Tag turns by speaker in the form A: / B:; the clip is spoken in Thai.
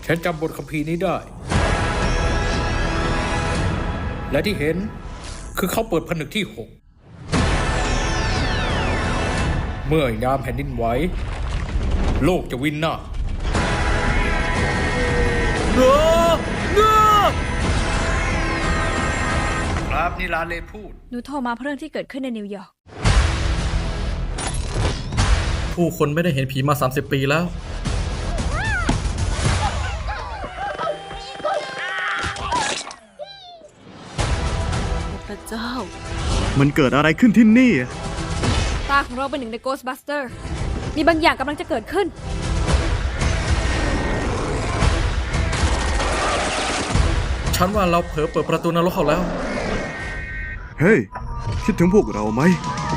A: ฉันจำบทคัมภีร์นี้ได้ และที่เห็นคือเขาเปิดผนึกที่ 6 เมื่อยามแผ่นดินไหวโลกจะวินาศครับนี่ลาเลพูด
B: หนูโทรมาเพราะเรื่องที่เกิดขึ้นในนิวยอร์ก
C: ผู้คนไม่ได้เห็นผีมา30 ปีแล้ว
B: พระเจ้า
D: มันเกิดอะไรขึ้นที่นี่
B: ตาของเราเป็นหนึ่งใน Ghostbuster มีบางอย่างกำลังจะเกิดขึ้น
C: ฉันว่าเราเผลอเปิดประตูนรกเขาแล้ว
D: เฮ้ย คิดถึงพวกเราไหม